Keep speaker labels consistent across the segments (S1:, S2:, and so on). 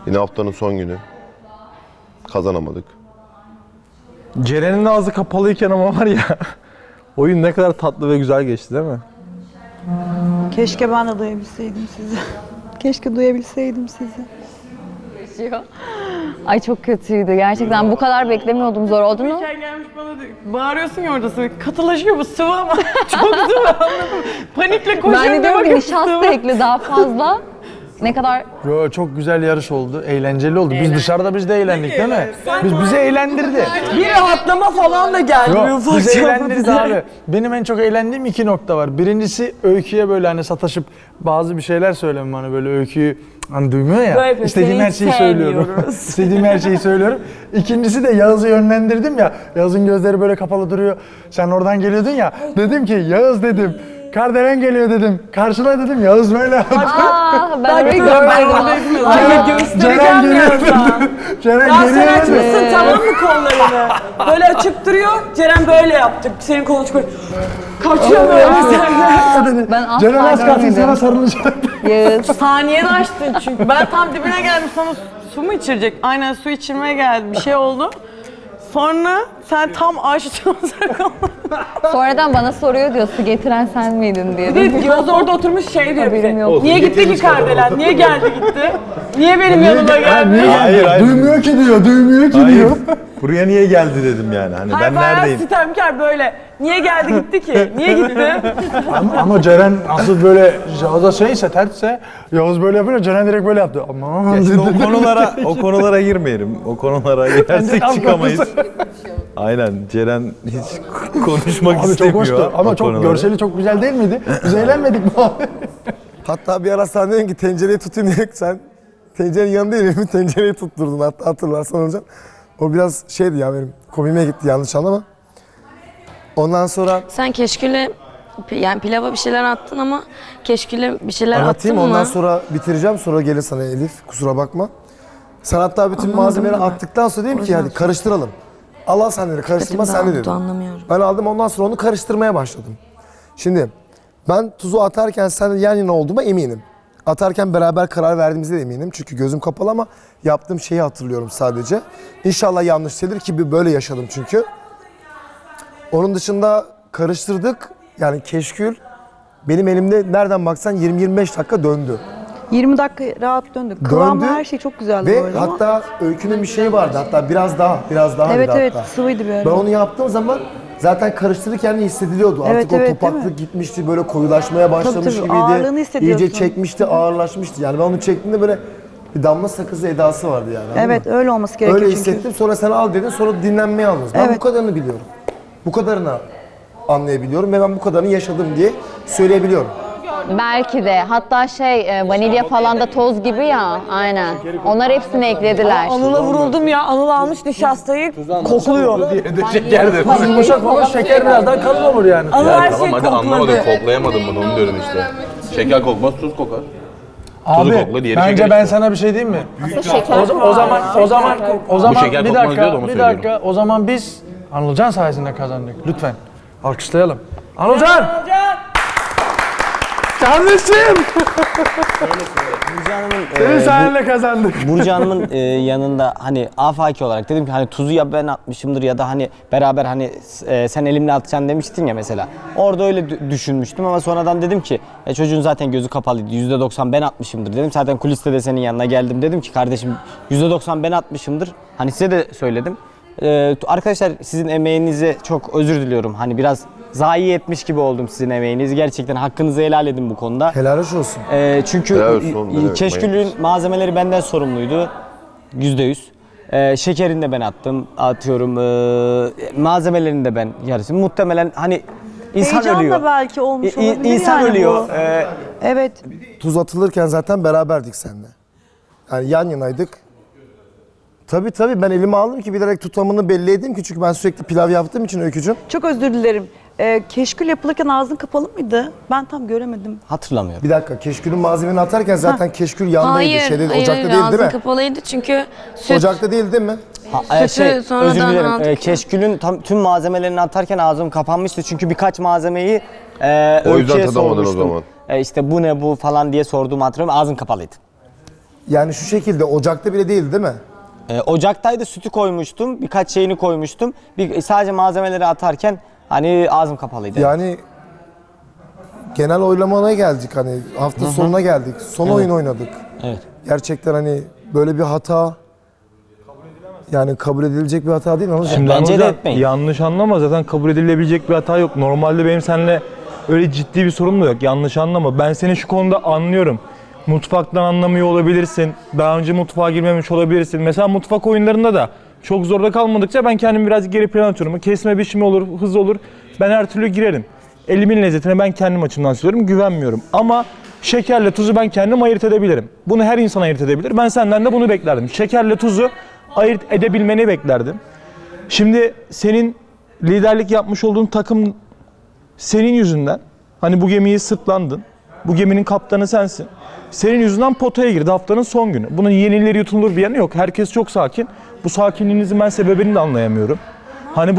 S1: Yine haftanın son günü. Kazanamadık.
S2: Ceren'in ağzı kapalıyken ama var ya, oyun ne kadar tatlı ve güzel geçti değil mi?
S3: Keşke ben de duyabilseydim sizi. Keşke duyabilseydim sizi.
S4: Ay çok kötüydü gerçekten. Bu kadar beklemiyordum. Zor oldu mu?
S5: Gelmiş bana diyor, bağırıyorsun ya orada katılaşıyor bu sıvı ama çok sıvı anladın mı? Panikle koşuyorum.
S4: Ben de diyorum ki nişasta ekle daha fazla. Ne kadar...
S6: Yo, çok güzel yarış oldu, eğlenceli oldu. Biz dışarıda biz de eğlendik değil mi? Bizi eğlendirdi.
S5: Bir rahatlama falan da gelmiyor.
S6: Yo, bizi eğlendirdi abi. Benim en çok eğlendiğim 2 nokta var. Birincisi Öykü'ye böyle hani sataşıp bazı bir şeyler söylemem hani böyle Öykü'yü hani duymuyor ya.
S5: Böyle
S6: İstediğim her şeyi söylüyorum. İstediğim her şeyi söylüyorum. İkincisi de Yağız'ı yönlendirdim ya. Yağız'ın gözleri böyle kapalı duruyor. Sen oradan geliyordun ya. Dedim ki Yağız dedim. Kardelen geliyor dedim. Karşıla dedim. Yağız böyle yaptı.
S4: Ben orayı görmedim.
S5: Ay göstereceğim birazdan.
S6: Ceren
S5: Ya sen
S6: geliyor dedi.
S5: açmışsın tamam mı kollarını? Böyle açık duruyor. Ceren böyle yaptı. Senin kolunu çıkıyor. Kaçıyor böyle sen.
S4: Ben
S6: Ceren az
S4: asla
S6: kalsın sana
S4: görmedim.
S6: sarılacak.
S4: Yağız.
S5: Saniyede açtın çünkü. Ben tam dibine geldim sana su mu içirecek? Aynen su içirmeye geldi. Bir şey oldu. Sonra sen tam açtın.
S4: Sonradan bana soruyor diyor, su getiren sen miydin diye.
S5: Bir de Yavuz orada oturmuş şey diyor
S4: Haberim
S5: bize.
S4: yok.
S5: Niye gitti ki Kardelen? Niye geldi gitti? Niye benim yanıma geldi?
S1: Hayır.
S6: Duymuyor ki diyor, duymuyor ki diyor.
S1: Buraya niye geldi dedim yani. Hani
S5: Hayır,
S1: ben
S5: bayağı
S1: neredeyim?
S5: sitemkar böyle. Niye geldi gitti ki? Niye gitti?
S6: Ama Ceren asıl böyle Yağız'a şeyse, tersse Yağız böyle yapınca Ceren direkt böyle yaptı. Aman
S1: Ya şimdi
S6: dedi.
S1: o konulara girmeyelim. O konulara girersek çıkamayız. Aynen. Ceren hiç konuşmak
S6: Abi çok
S1: istemiyor.
S6: hoştu ama
S1: o
S6: çok
S1: konulara.
S6: görseli çok güzel değil miydi? Biz eğlenmedik mi abi?
S7: Hatta bir ara sen dedin ki tencereyi tutayım diye sen tencerenin yanında elimi tencereyi tutturdun hatta hatırlarsan hocam. O biraz şeydi ya benim komiğime gitti yanlış anlama. Ondan sonra
S8: Sen keşküle yani pilava bir şeyler attın ama keşküle bir şeyler
S7: anlatayım
S8: attın mı?
S7: ondan sonra bitireceğim sonra gelir sana Elif kusura bakma. Sen hatta bütün malzemeleri attıktan sonra dedim ki hadi karıştıralım. Allah sen dedi karıştırma sen de dedim.
S8: Anlamıyorum.
S7: Ben aldım ondan sonra onu karıştırmaya başladım. Şimdi ben tuzu atarken seninle yan yana olduğuma eminim. Atarken beraber karar verdiğimizde de eminim. Çünkü gözüm kapalı ama yaptığım şeyi hatırlıyorum sadece. İnşallah yanlış değildir ki böyle yaşadım çünkü. Onun dışında karıştırdık. Yani keşkül benim elimde nereden baksan 20-25 dakika döndü.
S3: 20 dakika rahat döndük. Kıvamı
S7: Döndü
S3: her şey çok güzeldi bu
S7: Ve
S3: arada ama.
S7: hatta Öykü'nün bir şeyi vardı. Hatta biraz daha
S3: Evet
S7: bir de
S3: evet
S7: hatta.
S3: sıvıydı bir
S7: Ben
S3: ara.
S7: onu yaptığım zaman zaten karıştırırken de hissediliyordu.
S3: Evet,
S7: Artık o
S3: evet, değil
S7: topaklık
S3: mi?
S7: gitmişti, böyle koyulaşmaya başlamış
S3: tabii,
S7: gibiydi.
S3: ağırlığını hissediyorsun.
S7: İyice çekmişti, ağırlaşmıştı. Yani ben onu çektiğimde böyle bir damla sakızı edası vardı yani. anladın
S3: Evet
S7: mı?
S3: öyle olması gerekiyor
S7: Öyle
S3: çünkü.
S7: hissettim. Sonra sen al dedin, sonra dinlenmeye aldınız. Ben
S3: Evet.
S7: bu kadarını biliyorum. Bu kadarını anlayabiliyorum ve ben bu kadarını yaşadım diye söyleyebiliyorum.
S4: Belki de. Hatta vanilya falan da toz gibi ya. Aynen. Onlar hepsini eklediler.
S5: Anıl'a vuruldum ya. Anıl almış nişastayı kokluyor.
S6: Yumuşak falan şeker birazdan kalın olur yani.
S5: Anıl
S9: Ya
S5: her
S9: tamam
S5: şeyi
S9: hadi anlamadım,
S5: kokladı.
S9: koklayamadım bunu onu diyorum işte. Şeker kokmaz, tuz kokar.
S6: Abi
S9: kokla, diğeri
S6: bence
S9: şeker
S6: ben
S9: işte.
S6: sana bir şey diyeyim mi?
S4: Şeker
S6: O zaman
S9: şeker
S6: bir
S9: kokmaz diyor da
S6: dakika
S9: onu
S6: bir
S9: söylüyorum.
S6: dakika o zaman biz Anılcan sayesinde kazandık lütfen. Alkışlayalım. Anılcan! Kardeşim!
S10: Burcu Hanım'ın
S6: Senin sayenle kazandık.
S10: Burcu Hanım'ın yanında hani afaki olarak dedim ki hani tuzu ya ben atmışımdır ya da hani beraber hani sen elimle atacaksın demiştin ya mesela. Orada öyle düşünmüştüm ama sonradan dedim ki çocuğun zaten gözü kapalıydı. %90 ben atmışımdır dedim. Zaten kuliste de senin yanına geldim dedim ki kardeşim %90 ben atmışımdır. Hani size de söyledim. Arkadaşlar sizin emeğinize çok özür diliyorum. Hani biraz zayi etmiş gibi oldum sizin emeğinizi. Gerçekten hakkınızı helal edin bu konuda.
S7: Helal olsun.
S1: Helal olsun,
S10: Keşkül'ün malzemeleri benden sorumluydu. %100. Şekerini de ben attım. Atıyorum malzemelerini de ben yarısını. Muhtemelen hani insan
S3: Heyecanla
S10: ölüyor.
S3: belki olmuş olabilir
S10: İnsan
S3: yani
S10: ölüyor.
S3: bu. Evet.
S7: Tuz atılırken zaten beraberdik seninle. Yani yan yanaydık. Tabii ben elime aldım ki bilerek tutamını belli edeyim ki çünkü ben sürekli pilav yaptığım için Öykücüğüm.
S3: Çok özür dilerim. Keşkül yapılırken ağzın kapalı mıydı? Ben tam göremedim.
S10: Hatırlamıyorum.
S7: Bir dakika keşkülün malzemeni atarken zaten keşkül yandaydı.
S8: Hayır,
S7: Ocakta değil
S8: ağzın
S7: mi?
S8: kapalıydı çünkü süt.
S7: Ocakta değil mi?
S8: Sütü sonradan
S10: özür dilerim.
S8: aldık.
S10: Keşkül'ün tüm malzemelerini atarken ağzım kapanmıştı. Çünkü birkaç malzemeyi
S1: O yüzden
S10: Öykü'ye
S1: tadamadın o
S10: sormuştum.
S1: zaman.
S10: İşte bu ne bu falan diye sorduğumu hatırlıyorum. Ağzım kapalıydı.
S7: Yani şu şekilde ocakta bile değildi değil mi?
S10: Ocaktaydı, sütü koymuştum, birkaç şeyini koymuştum. Sadece malzemeleri atarken hani ağzım kapalıydı.
S7: Yani genel oylamaya geldik hani hafta sonuna geldik. Son oyun oynadık.
S10: Evet.
S7: Gerçekten hani böyle bir hata yani kabul edilecek bir hata değil mi?
S2: Şimdi
S10: Bence de
S2: Anılcan,
S10: etmeyin.
S2: yanlış anlama, zaten kabul edilebilecek bir hata yok. Normalde benim seninle öyle ciddi bir sorun da yok. Yanlış anlama. Ben seni şu konuda anlıyorum. Mutfaktan anlamıyor olabilirsin. Daha önce mutfağa girmemiş olabilirsin. Mesela mutfak oyunlarında da çok zorda kalmadıkça ben kendimi biraz geri plana atıyorum. Kesme biçimi olur, hız olur. Ben her türlü girerim. Elimin lezzetine ben kendim açımdan söylüyorum. Güvenmiyorum. Ama şekerle tuzu ben kendim ayırt edebilirim. Bunu her insan ayırt edebilir. Ben senden de bunu beklerdim. Şekerle tuzu ayırt edebilmeni beklerdim. Şimdi senin liderlik yapmış olduğun takım senin yüzünden, hani bu gemiyi sırtlandın. Bu geminin kaptanı sensin. Senin yüzünden potaya girdi haftanın son günü. Bunun yenileri yutulur bir yanı yok. Herkes çok sakin. Bu sakinliğinizin ben sebebini de anlayamıyorum. Hani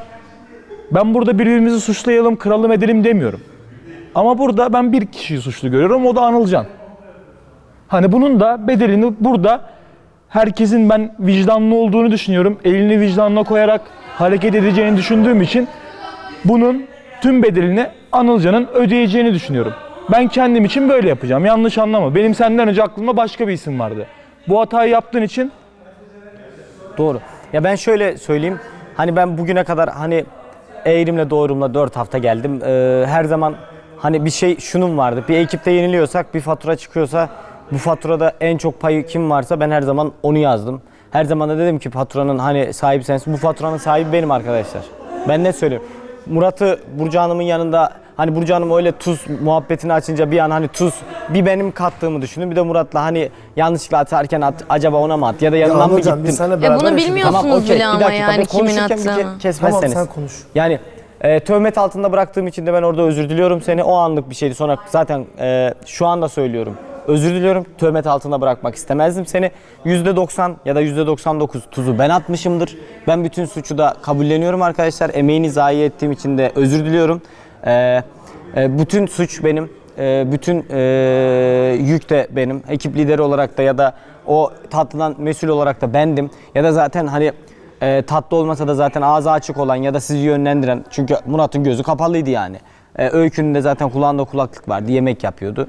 S2: ben burada birbirimizi suçlayalım, kıralım edelim demiyorum. Ama burada ben bir kişiyi suçlu görüyorum. O da Anılcan. Hani bunun da bedelini burada herkesin ben vicdanlı olduğunu düşünüyorum. Elini vicdanına koyarak hareket edeceğini düşündüğüm için bunun tüm bedelini Anılcan'ın ödeyeceğini düşünüyorum. Ben kendim için böyle yapacağım. Yanlış anlama. Benim senden önce aklımda başka bir isim vardı. Bu hatayı yaptığın için
S10: Doğru. Ya ben şöyle söyleyeyim. Hani ben bugüne kadar hani eğrimle doğrumla 4 hafta geldim. Her zaman hani bir şey şunun vardı. Bir ekipte yeniliyorsak bir fatura çıkıyorsa bu faturada en çok payı kim varsa ben her zaman onu yazdım. Her zaman da dedim ki faturanın hani sahibi sensin. Bu faturanın sahibi benim arkadaşlar. Ben ne söylüyorum? Murat'ı Burcu Hanım'ın yanında hani Burcu Hanım öyle tuz muhabbetini açınca bir an hani tuz bir benim kattığımı düşündüm. Bir de Murat'la hani yanlışlıkla atarken acaba ona mı at ya da yanından mı
S7: Anılcan,
S10: gittim?
S7: biz seninle beraber
S8: bunu
S7: yaşadık.
S8: bilmiyorsunuz
S10: Tamam, okey.
S8: bile
S10: Bir
S8: ama
S10: dakika,
S8: yani
S10: ben
S8: kimin
S10: konuşurken bir
S8: attığını.
S10: kesmezseniz.
S7: Tamam sen konuş.
S10: Yani töhmet altında bıraktığım için de ben orada özür diliyorum seni. O anlık bir şeydi. Sonra zaten şu anda söylüyorum. Özür diliyorum. Töhmet altında bırakmak istemezdim seni. %90 ya da %99 tuzu ben atmışımdır. Ben bütün suçu da kabulleniyorum arkadaşlar. Emeğini zayi ettiğim için de özür diliyorum. Bütün suç benim. Bütün yük de benim. Ekip lideri olarak da ya da o tatlıdan mesul olarak da bendim. Ya da zaten hani tatlı olmasa da zaten ağzı açık olan ya da sizi yönlendiren, çünkü Murat'ın gözü kapalıydı yani. Öykünün de zaten kulağında kulaklık vardı, yemek yapıyordu.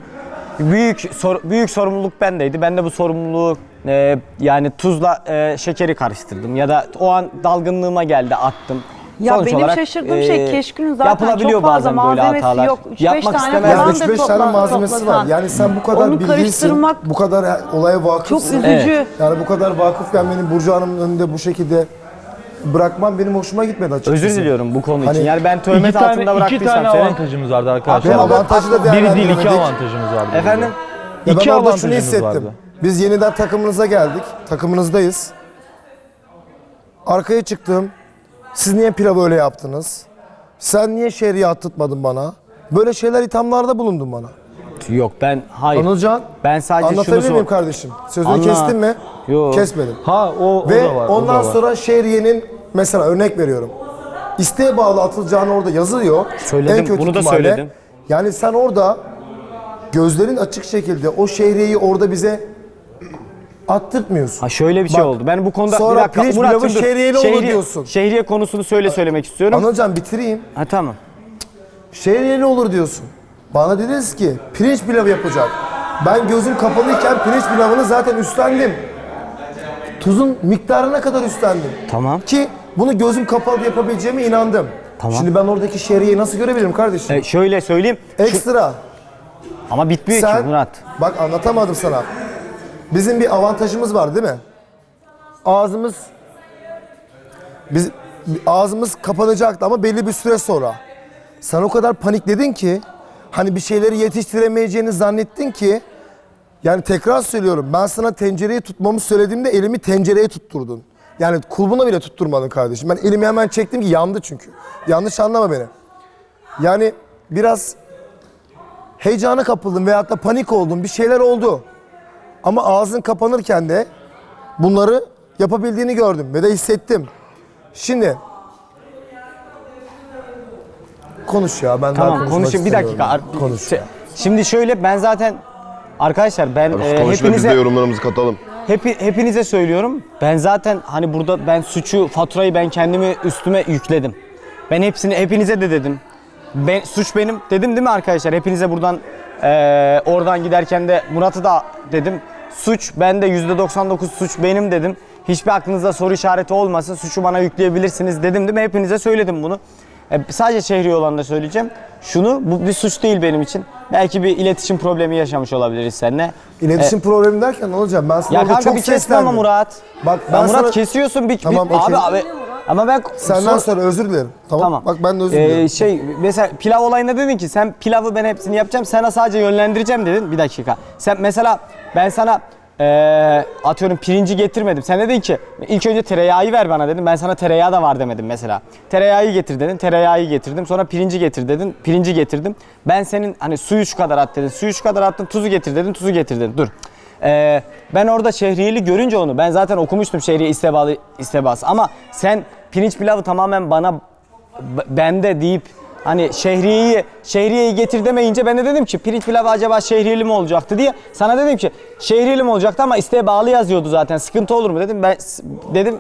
S10: Büyük sorumluluk bendeydi. Ben de bu sorumluluğu yani tuzla şekeri karıştırdım ya da o an dalgınlığıma geldi, attım.
S3: Ya
S10: Sonuç
S3: benim
S10: olarak,
S3: şaşırdığım şey Keşkül'ün zaten
S10: yapılabiliyor
S3: çok fazla
S10: bazen böyle
S3: malzemesi
S10: hatalar.
S3: yok. 3-5
S10: Yapmak
S3: tane
S10: istemezdim.
S3: falan
S7: Yani
S3: da
S7: 3-5 tane malzemesi
S3: toplasan.
S7: var. Yani sen bu kadar
S3: Onu
S7: bilgilisin,
S3: karıştırmak
S7: bu kadar olaya
S3: çok
S7: vakıfsın.
S3: üzücü.
S7: Yani bu kadar vakıfken benim Burcu Hanım'ın önünde bu şekilde bırakmam benim hoşuma gitmedi açıkçası.
S10: Özür diliyorum bu konu
S7: Hani
S10: için. Yani ben
S2: iki
S10: töhmet altında
S2: tane
S10: bıraktıysam seni.
S2: avantajımız vardı
S7: Ve
S2: arkadaşlar.
S7: avantajı da
S2: Biri değil, iki
S7: değerlendiremedik.
S2: avantajımız vardı.
S10: Efendim?
S7: Ya
S2: İki
S7: ben orada şunu
S2: avantajımız
S7: hissettim.
S2: vardı.
S7: Biz yeniden takımınıza geldik. Takımınızdayız. Arkaya çıktım. Siz niye pilavı öyle yaptınız? Sen niye şehriye attırtmadın bana? Böyle şeyler ithamlarda bulundun bana.
S10: Yok ben hayır.
S7: Anılcan,
S10: Ben sadece şunu
S7: anlatabilir miyim
S10: sor.
S7: kardeşim? Sözünü
S10: Anla.
S7: kestin mi?
S10: Yok.
S7: Kesmedim.
S2: Ha o
S7: Ve
S2: da var.
S7: ondan
S2: o da var.
S7: sonra şehriyenin mesela örnek veriyorum. İsteğe bağlı atılacağını orada yazıyor.
S10: Söyledim,
S7: En kötü
S10: bunu da
S7: ihtimalle.
S10: söyledim.
S7: Yani sen orada gözlerin açık şekilde o şehriyeyi orada bize attırtmıyorsun.
S10: Ha şöyle bir şey
S7: Bak,
S10: oldu. Ben bu konuda
S7: sonra
S10: bir dakika
S7: pirinç
S10: Murat'cığım
S7: pilavı
S10: dur.
S7: şehriyeli olur diyorsun.
S10: Şehriye konusunu söylemek istiyorum.
S7: Anılcan bitireyim.
S10: Ha tamam.
S7: Şehriyeli olur diyorsun. Bana dediniz ki pirinç pilavı yapacak. Ben gözüm kapalıyken pirinç pilavını zaten üstlendim. Tuzun miktarına kadar üstlendim.
S10: Tamam.
S7: Ki bunu gözüm kapalı yapabileceğime inandım.
S10: Tamam.
S7: Şimdi ben oradaki şehriyeyi nasıl görebilirim kardeşim?
S10: Şöyle söyleyeyim.
S7: Ekstra.
S10: Ama bitmiyor ki
S7: Sen,
S10: Murat.
S7: bak anlatamadım sana. Bizim bir avantajımız var değil mi? Ağzımız kapanacaktı ama belli bir süre sonra. Sen o kadar panikledin ki hani bir şeyleri yetiştiremeyeceğini zannettin ki yani tekrar söylüyorum ben sana tencereyi tutmamı söylediğimde elimi tencereye tutturdun. Yani kulbuna bile tutturmadın kardeşim. Ben elimi hemen çektim ki yandı çünkü. Yanlış anlama beni. Yani biraz heyecana kapıldım veyahut da panik oldum. Bir şeyler oldu. Ama ağzın kapanırken de bunları yapabildiğini gördüm ve de hissettim. Şimdi konuş ya ben daha
S10: Tamam
S7: konuşmak
S10: konuşayım bir dakika.
S7: istemiyorum. Konuş ya.
S10: Şimdi şöyle ben zaten Arkadaşlar ben
S9: Konuşma biz de
S10: hepinize
S9: yorumlarımızı katalım.
S10: hepinize söylüyorum. Ben zaten hani burada ben faturayı ben kendimi üstüme yükledim. Ben hepinize de dedim. Suç benim dedim değil mi arkadaşlar? Hepinize buradan oradan giderken de Murat'ı da dedim. Suç bende, %99 suç benim dedim. Hiçbir aklınızda soru işareti olmasın. Suçu bana yükleyebilirsiniz dedim değil mi? Hepinize söyledim bunu. Sadece Şehriye olanı da söyleyeceğim. Bu bir suç değil benim için. Belki bir iletişim problemi yaşamış olabiliriz seninle.
S7: İletişim problemi derken ne olacak? Ben sana
S10: Ya
S7: orada
S10: kanka
S7: çok
S10: bir kesme
S7: seslendim.
S10: ama Murat.
S7: Bak
S10: Ya
S7: ben
S10: Murat
S7: sana...
S10: kesiyorsun
S7: Tamam, okey.
S10: abi. Ama ben
S7: Senden sonra özür dilerim. Tamam. Bak ben de özür dilerim.
S10: Mesela pilav olayında dedin ki sen pilavı ben hepsini yapacağım, sana sadece yönlendireceğim dedin. Bir dakika. Sen mesela ben sana atıyorum pirinci getirmedim. Sen dedin ki ilk önce tereyağı ver bana dedim. Ben sana tereyağı da var demedim mesela. Tereyağı getir dedin. Tereyağı getirdim. Sonra pirinci getir dedin. Pirinci getirdim. Ben senin hani suyu şu kadar at dedin. Suyu şu kadar attın. Tuzu getir dedin. Tuzu getir dedin. Dur. Ben orada Şehriyeli görünce onu ben zaten okumuştum Şehriye istebası ama sen pirinç pilavı tamamen bende deyip hani Şehriye'yi getir demeyince ben de dedim ki pirinç pilavı acaba Şehriyeli mi olacaktı diye sana dedim ki Şehriyeli mi olacaktı ama isteğe yazıyordu zaten sıkıntı olur mu dedim. Ben dedim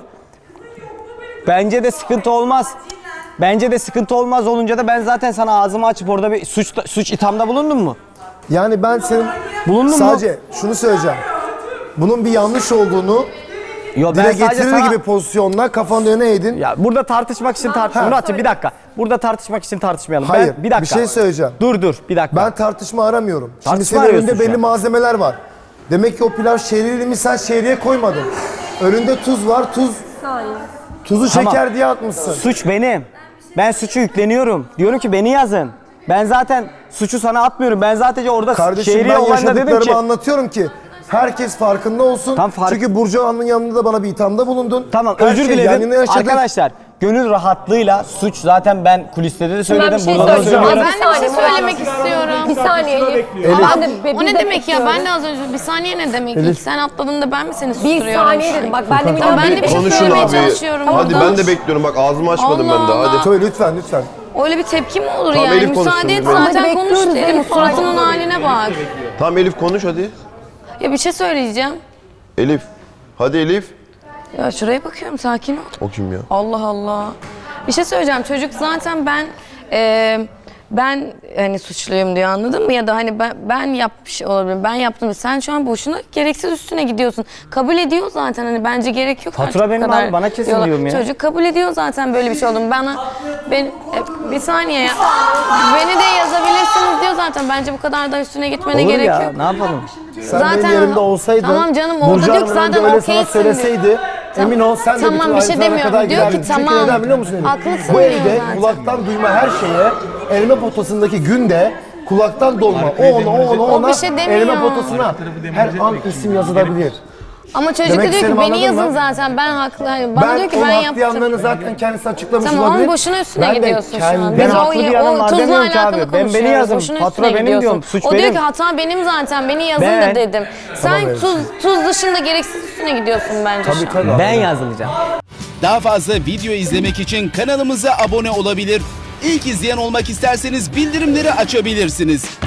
S10: bence de sıkıntı olmaz. Bence de sıkıntı olmaz olunca da ben zaten sana ağzımı açıp orada bir suç ithamda bulundum mu?
S7: Yani ben senin sadece şunu söyleyeceğim. Bunun bir yanlış olduğunu dile getirir gibi pozisyonla kafanı öne eğdin.
S10: Ya burada tartışmak için Murat'cığım bir dakika. Burada tartışmak için tartışmayalım.
S7: Hayır,
S10: bir dakika.
S7: bir şey söyleyeceğim.
S10: Dur bir dakika.
S7: Ben tartışma aramıyorum. Şimdi
S10: Tartışma
S7: senin önünde
S10: arıyorsun
S7: belli
S10: şu an.
S7: malzemeler var. Demek ki o pilav şehriyeli mi sen şehriye koymadın. Önünde tuz var, tuzu
S10: Tamam.
S7: şeker diye atmışsın.
S10: Suç benim. Ben suçu yükleniyorum. Diyorum ki beni yazın. Ben zaten suçu sana atmıyorum. Ben zaten orada
S7: Kardeşim
S10: Şehriye
S7: ben
S10: olayında dedim
S7: yaşadıklarımı
S10: ki
S7: anlatıyorum ki herkes farkında olsun. Çünkü Burcu Hanım'ın yanında da bana bir ithamda bulundun.
S10: Tamam
S7: Her
S10: özür
S7: şeyi
S10: dilerim.
S7: yanına yaşadık.
S10: Arkadaşlar gönül rahatlığıyla suç zaten ben kuliste de söyledim.
S8: şey
S10: Burada da söylüyorum.
S8: Ben de bir şey söylemek istiyorum. Bir saniye Elif. O ne demek ya? Ben de az önce bir saniye ne demek? İlk sen atladın da ben mi seni susturuyorum?
S11: Bir saniye dedim. Bak ben de
S8: Tamam, ben de bir şey
S9: Konuşun
S8: söylemeye
S9: abi.
S8: çalışıyorum
S9: Hadi
S8: burada.
S9: ben de bekliyorum. Bak ağzımı açmadım
S8: Allah
S9: ben de.
S8: Allah.
S9: Hadi.
S7: Söyle lütfen.
S8: Öyle bir tepki mi olur
S9: Tamam,
S8: yani?
S9: Elif konuşsun,
S8: Müsaade et
S9: Elif.
S8: zaten
S11: Hadi
S8: konuş
S11: bekliyoruz,
S8: dedim.
S11: Elif.
S8: Suratının haline bak.
S9: Tamam Elif konuş hadi.
S8: Ya bir şey söyleyeceğim.
S9: Elif. Hadi Elif.
S8: Ya şuraya bakıyorum sakin ol.
S9: O kim ya?
S8: Allah Allah. Bir şey söyleyeceğim. Çocuk zaten ben hani suçluyum diyor anladın mı? Ya da hani ben yapmış olabilirim. Ben yaptım. Sen şu an boşuna gereksiz üstüne gidiyorsun. Kabul ediyor zaten hani bence gerek yok.
S10: Fatura
S8: artık bu
S10: benim
S8: kadar
S10: abi, bana kesin
S8: yola.
S10: diyorum ya.
S8: Çocuk kabul ediyor zaten böyle bir şey olduğunu. Bir saniye ya. Beni de yazabilirsiniz diyor zaten. Bence bu kadar da üstüne gitmene
S10: Olur
S8: gerek
S10: ya
S8: yok.
S10: ne yapalım?
S7: Sen benim yerimde olsaydın,
S8: Tamam canım, orada
S7: Burcu
S8: diyor ki
S7: Hanım'ın
S8: zaten
S7: önünde öyle sana
S8: okeysin diyor.
S7: söyleseydi, emin ol sen de
S8: Tamam,
S7: bütün
S8: bir şey
S7: ayrıntılara
S8: demiyorum.
S7: kadar
S8: Diyor ki
S7: girerdin. Çünkü
S8: tamam.
S7: neden biliyor musun Elif?
S8: Haklısın
S7: Bu
S8: diyor
S7: evde
S8: zaten.
S7: kulaktan duyma her şeye elma potasındaki günde kulaktan dolma ona
S8: bir şey demiyor.
S7: elma potasına her an isim yazılabilir.
S8: Ama çocuk
S7: Demek
S8: da diyor ki
S7: istediğimi
S8: beni
S7: anladın
S8: yazın
S7: mı?
S8: zaten ben haklı. Hani bana diyor ki ben
S7: haklı
S8: yaptım.
S7: yanlarını zaten kendisi açıklamış
S8: Tamam
S7: olabilir.
S8: ama boşuna üstüne
S7: Ben de
S8: gidiyorsun şu an.
S7: kendim-
S10: Ben
S8: Biz
S10: haklı bir yanım var
S8: tuzla
S10: demiyorum ki
S8: alakalı
S10: abi. Beni
S8: konuşuyoruz.
S10: yazın.
S8: Boşuna
S10: Fatura
S8: üstüne
S10: benim
S8: gidiyorsun.
S10: diyorum, suç
S8: o diyor
S10: benim.
S8: ki hata benim zaten beni yazın
S10: Ben-
S8: da dedim. Sen
S7: evet.
S8: tuz dışında gereksiz üstüne gidiyorsun bence şu an.
S7: Tabii.
S10: Ben yazılacağım.
S12: Daha fazla video izlemek için kanalımıza abone olabilir. İlk izleyen olmak isterseniz bildirimleri açabilirsiniz.